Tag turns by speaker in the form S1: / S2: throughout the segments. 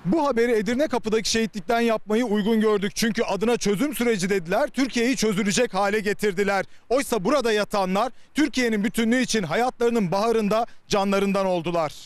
S1: Bu haberi Edirne Kapı'daki şehitlikten yapmayı uygun gördük. Çünkü adına çözüm süreci dediler, Türkiye'yi çözülecek hale getirdiler. Oysa burada yatanlar Türkiye'nin bütünlüğü için hayatlarının baharında canlarından oldular.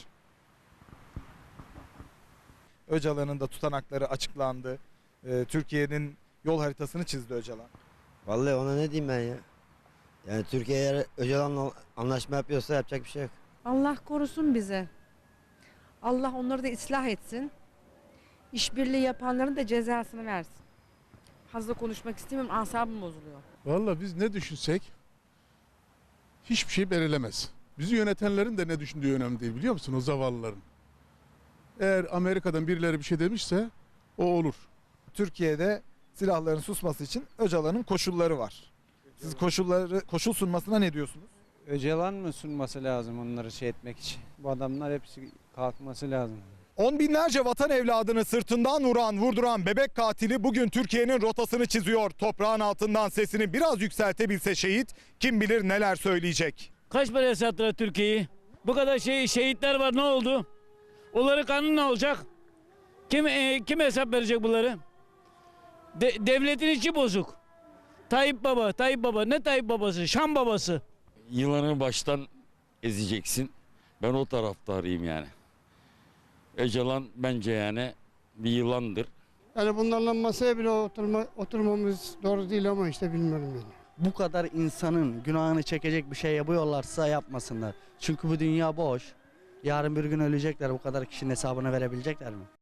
S1: Öcalan'ın da tutanakları açıklandı. Türkiye'nin yol haritasını çizdi Öcalan.
S2: Vallahi ona ne diyeyim ben ya. Yani Türkiye eğer Öcalan'la anlaşma yapıyorsa yapacak bir şey yok.
S3: Allah korusun bize. Allah onları da ıslah etsin. İşbirliği yapanların da cezasını versin. Fazla konuşmak istemiyorum, asabım bozuluyor.
S4: Vallahi biz ne düşünsek hiçbir şey belirlemez. Bizi yönetenlerin de ne düşündüğü önemli değil, biliyor musun, o zavallıların. Eğer Amerika'dan birileri bir şey demişse o olur.
S1: Türkiye'de silahların susması için Öcalan'ın koşulları var. Siz koşul sunmasına ne diyorsunuz?
S5: Öcalan mı sunması lazım onları şey etmek için? Bu adamlar hepsi kalkması lazım.
S1: On binlerce vatan evladını sırtından vurduran bebek katili bugün Türkiye'nin rotasını çiziyor. Toprağın altından sesini biraz yükseltebilse şehit, kim bilir neler söyleyecek.
S6: Kaç paraya sattılar Türkiye'yi? Bu kadar şehitler var, ne oldu? Onların kanunu ne olacak? Kim hesap verecek bunları? Devletin içi bozuk. Tayyip Baba. Ne Tayyip Babası? Şam babası.
S7: Yılanı baştan ezeceksin. Ben o taraftarıyım yani. Öcalan bence yani bir yılandır.
S8: Yani bunlarla masaya bile oturmamız doğru değil ama işte bilmiyorum yani.
S9: Bu kadar insanın günahını çekecek bir şey yapıyorlarsa yapmasınlar. Çünkü bu dünya boş. Yarın bir gün ölecekler. Bu kadar kişinin hesabını verebilecekler mi?